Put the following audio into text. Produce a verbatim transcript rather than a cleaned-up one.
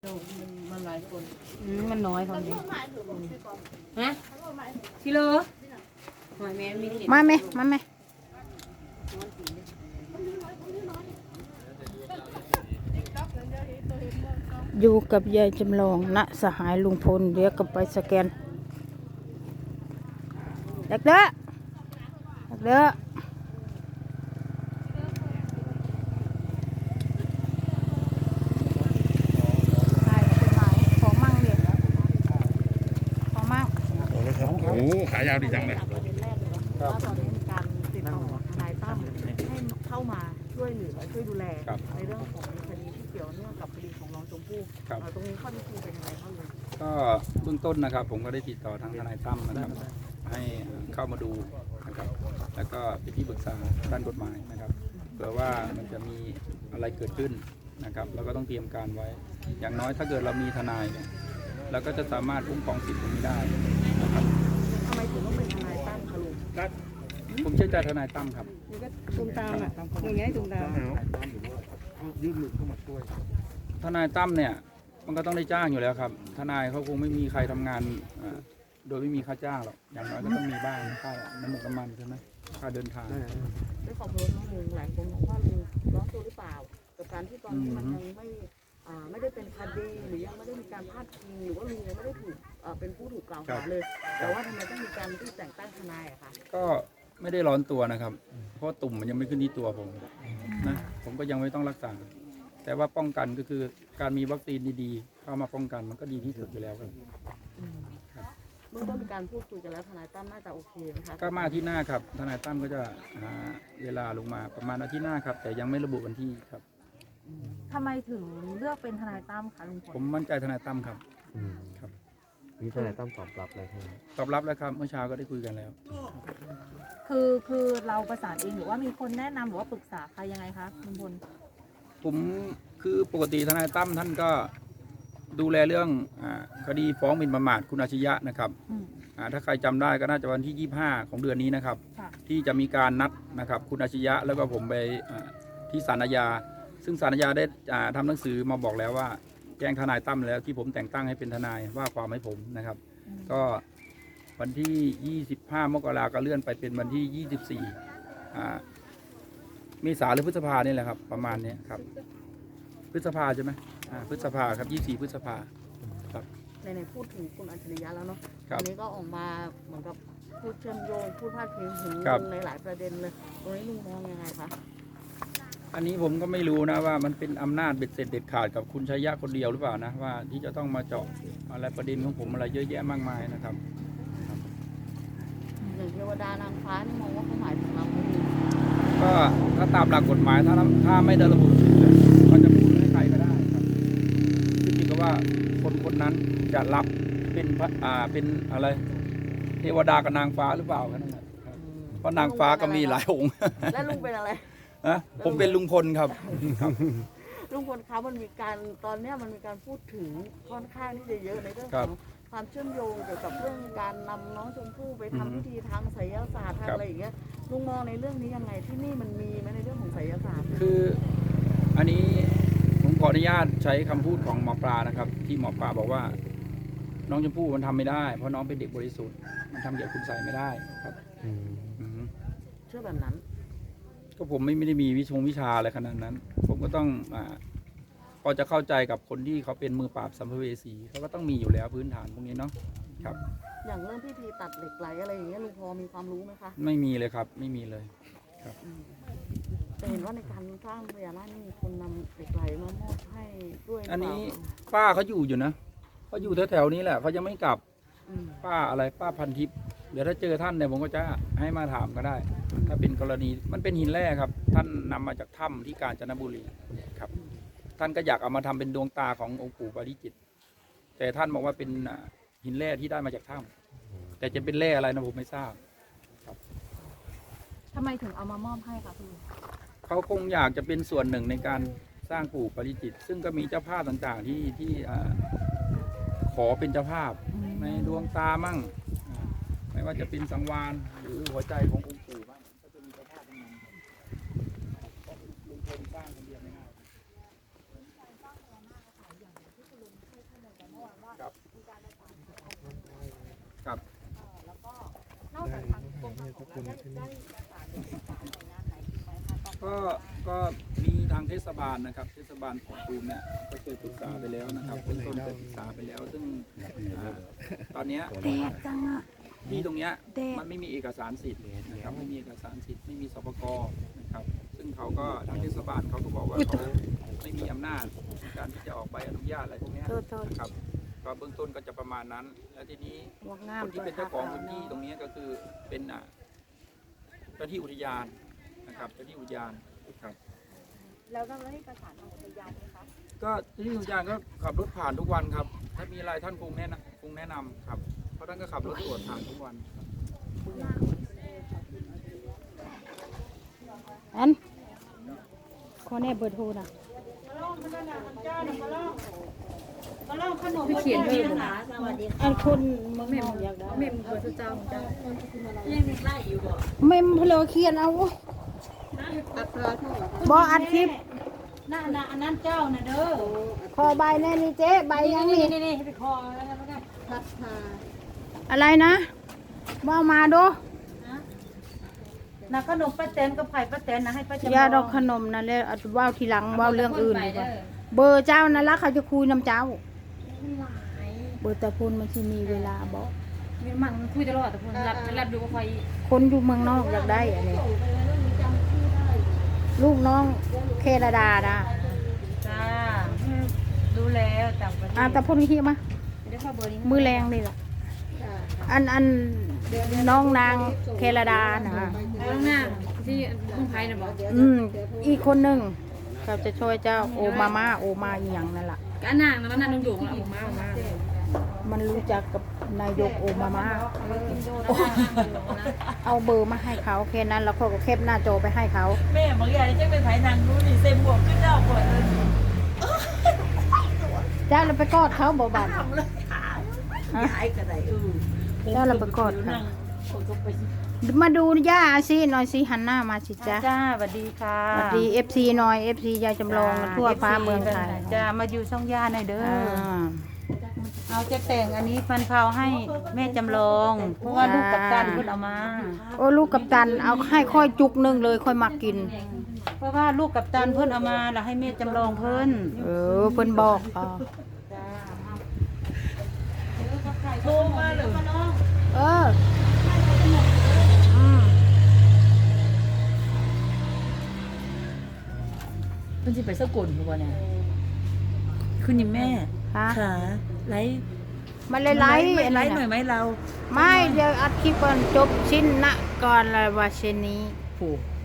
มันมันหลายคนอืมมันน้อยคนนี้ฮะชิโลหอยแม่มีเห็นมาไหมมาไหมอยู่กับยายจำลองณสหายลุงพลเดี๋ยวก็ไปสแกนเด็กเด้อเด็กเด้อของมั่งเด็กของมั่งโอ้ขายาวดีจังเลยประเด็นแรกเลยว่าตอนนี้มีการติดต่อทนายตั้มให้เข้ามาช่วยเหลือช่วยดูแลในเรื่องของคดีที่เกี่ยวเนื่องกับคดีของน้องชมพู่ตรงนี้ข้อที่จริงเป็นยังไงบ้างเลยก็เบื้องต้นนะครับผมก็ได้ติดต่อทางทนายตั้มนะครับให้เข้ามาดูนะครับแล้วก็เป็นที่ปรึกษาด้านกฎหมายนะครับเผื่อว่ามันจะมีอะไรเกิดขึ้นนะครับเราก็ต้องเตรียมการไว้ อย่างน้อยถ้าเกิดเรามีทนายเนี่ยเราก็จะสามารถคุ้มครองสิทธิ์ตรงนี้ได้นะครับทำไมถึงต้องเป็นทนายตั้มคะลุงผมเชื่อใจทนายตั้มครับนี่ก็ตุ้มตามอ่ะอย่างเงี้ยตุ้มตามยื่นมือเข้ามาช่วยทนายตั้มเนี่ยมันก็ต้องได้จ้างอยู่แล้วครับทนายเขาคงไม่มีใครทำงานอ่าโดยไม่มีค่าจ้างหรอกอย่างน้อยก็ต้องมีบ้างค่าน้ำมันน้ำมันใช่ไหมค่าเดินทางด้วยความรู้น้องลุงหลายคนมองว่าลุงร้อนตัวหรือเปล่ากับการที่ตอนนี้มันยังไม่อ่าไม่ได้เป็นคดีหรือยังไม่ได้มีการพาดพิงหรือว่าลุงยังไม่ได้ถูกอ่าเป็นผู้ถูกกล่าวหาเลย แต่ว่าทำไมต้องมีการที่แต่งตั้งทนายอะคะก็ไม่ได้ร้อนตัวนะครับ เพราะตุ่มมันยังไม่ขึ้นที่ตัวผมนะผมก็ยังไม่ต้องรักษา แต่ว่าป้องกันก็คือการมีวัคซีนดีๆเข้ามาป้องกันมันก็ดีที่สุดอยู่แล้วครับเมื่อต้นมีการพูดคุยกันแล้วทนายตั้มน่าจะโอเคนะคะก็มาอาที่หน้าครับทนายตั้มก็จะหาเวลาลงมาประมาณอาทิตย์หน้าครับ แต่ยังไม่ระบุวันที่ครับทำไมถึงเลือกเป็นทนายตั้มคะลุงพลผมมั่นใจทนายตั้มครับอืมครับนี่ทนายตั้มตอบรับเลยใช่ไหมตอบรับแล้วครับเมื่อเช้าก็ได้คุยกันแล้วคือคือเราประสานเองหรือว่ามีคนแนะนำหรือว่าปรึกษาใครยังไงคะลุงพลผมคือปกติทนายตั้มท่านก็ดูแลเรื่องอาคดีฟ้องหมิ่นประมาทคุณอาชญะนะครับอืมอ่าถ้าใครจำได้ก็น่าจะวันที่ยี่สิบห้าของเดือนนี้นะครับค่ะที่จะมีการนัดนะครับคุณอาชญะแล้วก็ผมไปอ่าที่ศาลอาญาซึ่งศาลอาญาได้อ่าทำหนังสือมาบอกแล้วว่าแจ้งทนายตั้มแล้วที่ผมแต่งตั้งให้เป็นทนายว่าความให้ผมนะครับ ก็วันที่ยี่สิบห้ามกราก็เลื่อนไปเป็นวันที่ยี่สิบสี่อ่าเมษาหรือพฤษภาเนี่ยแหละครับประมาณเนี้ยครับพฤษภาใช่ไหมอ่าพฤษภาครับยี่สิบสี่พฤษภาครับในในพูดถึงคุณอัจฉริยะแล้วเนาะครับอันนี้ก็ออกมาเหมือนกับพูดเชื่อมโยงพูดพาดพิงถึงครับลุงในหลายประเด็นเลยตรงนี้ลุงมองยังไงคะอันนี้ผมก็ไม่รู้นะว่ามันเป็นอำนาจเบ็ดเสร็จเด็ดขาดกับคุณชัยยะคนเดียวหรือเปล่านะว่าที่จะต้องมาเจาะอะไรประเด็นของผมอะไรเยอะแยะมากมายนะครับอย่างเทวดานางฟ้านี่มองว่าเขาหมายถึงเราไหมลุงก็ถ้าตามหลักกฎหมายถ้าถ้าไม่ได้ระบุชื่อก็จะพูดให้ใครก็ได้ครับขึ้นอยู่กับว่าคนคนนั้นจะรับเป็นพระอ่าเป็นอะไร เทวดากับนางฟ้าหรือเปล่าแค่นั้นแหละครับเพราะนางฟ้าก็มีหลายองค์และลุงเป็นอะไรนะผมเป็นลุงพลครับลุงพลคะมันมีการตอนเนี้ยมันมีการพูดถึงค่อนข้างที่จะเยอะในเรื่องครัขบองความเชื่อมโยงเกี่ยวกับเรื่องการนำน้องชมพู่ไปทำอือฮึพิธีทางไสยศาสตร์ทางครับอะไรอย่างเงี้ยลุงมองในเรื่องนี้ยังไงที่นี่มันมีไหมในเรื่องของไสยศาสตร์คืออันนี้ผมขออนุญาตใช้คำพูดของหมอปลานะครับ ที่หมอปลาบอกว่า น้องชมพู่มันทำไม่ได้ เพราะน้องเป็นเด็กบริสุทธิ์มันทำเกี่ยวกับคุณใส่ไม่ได้ครับอืมอือฮึเชื่อแบบนั้นก็ผมไม่ไม่ได้มีวิชงวิชาอะไรขนาดนั้น ผมก็ต้องอ่าพอจะเข้าใจกับคนที่เขาเป็นมือปราบสัมภเวสีเขาก็ต้องมีอยู่แล้วพื้นฐานพวกนี้เนาะครับอย่างเรื่องพิธีตัดเหล็กไหลอะไรอย่างเงี้ยลุงพอมีความรู้ไหมคะไม่มีเลยครับ ไม่มีเลยอืมแต่เห็นว่าในการสร้างพญานาคนี่มีคนนำเหล็กไหลมามอบให้ด้วยหรือันเปล่านี้ป้าเขาอยู่อยู่นะเขาอยู่แถวๆนี้แหละเขายังไม่กลับอืมป้าอะไรป้าพันทิพย์เดี๋ยวถ้าเจอท่านเนี่ยผมก็จะให้มาถามก็ได้ ถ้าเป็นกรณีมันเป็นหินแร่ครับ ท่านนำมาจากถ้ำที่กาญจนบุรีครับ ท่านก็อยากเอามาทำเป็นดวงตาขององค์ปู่ปาริจิต แต่ท่านบอกว่าเป็นอ่าหินแร่ที่ได้มาจากถ้ำแต่จะเป็นแร่อะไรนะผมไม่ทราบทำไมถึงเอามามอบให้คะคุณลุงเขาคงอยากจะเป็นส่วนหนึ่งในการสร้างปู่ปาริจิต ซึ่งก็มีเจ้าภาพต่างๆที่ที่อ่าขอเป็นเจ้าภาพ ในดวงตามั่งอ่าไม่ว่าจะเป็นสังวานหรือหัวใจขององค์ปู่บ้างก็จะมีเจ้าภาพทั้งนั้นครับลุงพลสร้างคนเดียวไม่ได้ก็ก็มีทางเทศบาลนะครับ เทศบาลของตูมเนี่ยก็เคยปรึกษาไปแล้วนะครับเบื้องต้นเคยปรึกษาไปแล้ว ซึ่งอ่าตอนเนี้ยที่ตรงเนี้ยมันไม่มีเอกสารสิทธิ์นะครับไม่มีเอกสารสิทธิ์ไม่มีสปกนะครับ ซึ่งเขาก็ทางเทศบาลเขาก็บอกว่าเขาไม่มีอำนาจในการที่จะออกใบอนุญาตอะไรพวกเนี้ยนะครับก็เบื้องต้นก็จะประมาณนั้น แล้วทีนี้คนที่เป็นเจ้าของพื้นที่ตรงนี้ก็คือเป็นอ่าเจ้าที่อุทยานนะครับเจ้าที่อุทยานครับแล้วเราได้ประสานทางอุทยานไหมคะก็เจ้าที่อุทยานก็ขับรถผ่านทุกวันครับ ถ้ามีอะไรท่านคงแนะนำคงแนะนำครับเพราะท่านก็ขับรถตรวจผ่านทุกวันครับอันขอแน่เบอร์โทรนะเขียนด้วยนะอันคนเมืองนอกอยากได้เมมเบอร์เจ้าของเจ้ายังมีไล่อยู่บ่เมมเพลอเขียนเอาบออัดคลิปน่าน่ะอันนั้นเจ้าน่ะเด้อขอใบแน่นี่เจ๊ใบยังนี่นี่นี่ไปคอแล้วกันแล้วกันอะไรนะว่ามาดูนะขนมป้าแตนกับไข่ป้าแตนนะให้ป้าจำลองยาดอกขนมนั่นเลยเอาว่าวทีหลังว่าวเรื่องอื่นดีกว่าเบอร์เจ้านั่นละเขาจะคุยน้ำเจ้า เบอร์ตะพูนมันที่มีเวลาบอกมีมันคุยตลอดแต่คนรับรับดูว่าใครคนอยู่เมืองนอกอยากได้อันนี้ลูกน้องเครดานะจ้ารู้แล้วต่างประเทศอ่าตะพูนขี้มาเดี๋ยวข้าเบอร์นี้มือแรงนี่แหละอันอันน้องนางเครดานะข้างหน้าที่ลุงไผ่น่ะบอกอืมอีกคนหนึ่งเขาจะช่วยเจ้าโอมาม่าโอมาอหย่างนั่นแหละก็อันนางนั้นนั่นลุงหยงแล้วออกมาออกมามันรู้จักกับนายกโอมาม่าโอ้เอาเบอร์มาให้เขาแค่นั้นแล้วเขาก็แคปหน้าจอไปให้เขาแม่บางอย่างจะเป็นไผ่นางรู้นี่เซมบวกขึ้นดาวก่อนเลยเจ้าเราไปกอดเขาบ่บันทำเลยขายย้ายกันไหนเออเจ้าเราไปกอดเขาคนก็ไปมาดูย่าสิหน่อยสิหันหน้ามาสิจ้าจ้าสวัสดีค่ะสวัสดีเอฟซีหน่อยเอฟซียายจำลองทั่วฟ้าเมืองไทยจ้ามาอยู่ช่องย่าหน่อยเด้ออ่าเอาจะแต่งอันนี้ฟันเผาให้แม่จำลอง เพราะว่าลูกกับตันเพิ่นเอามาโอ้ลูกกับตันเอาให้ค่อยจุกหนึงเลยค่อยมากินเพราะว่าลูกกับตันเพิ่นเอามาแล้วให้แม่จำลองเพิ่นเออเพิ่นบอกอ๋อโทรมาเลยเอออืมเพิ่นสิไปสกลบ่บ่เนี่ยคุณนี่แม่ฮะขาไลฟ์มาเลยไลฟ์ไม่อันไลนั้นฟ์หน่อยน่ะไหมเราไม่เดี๋ยวอัดคลิปก่อนจบชิ้นนะก่อนเลยว่าเช่นนี้ผูก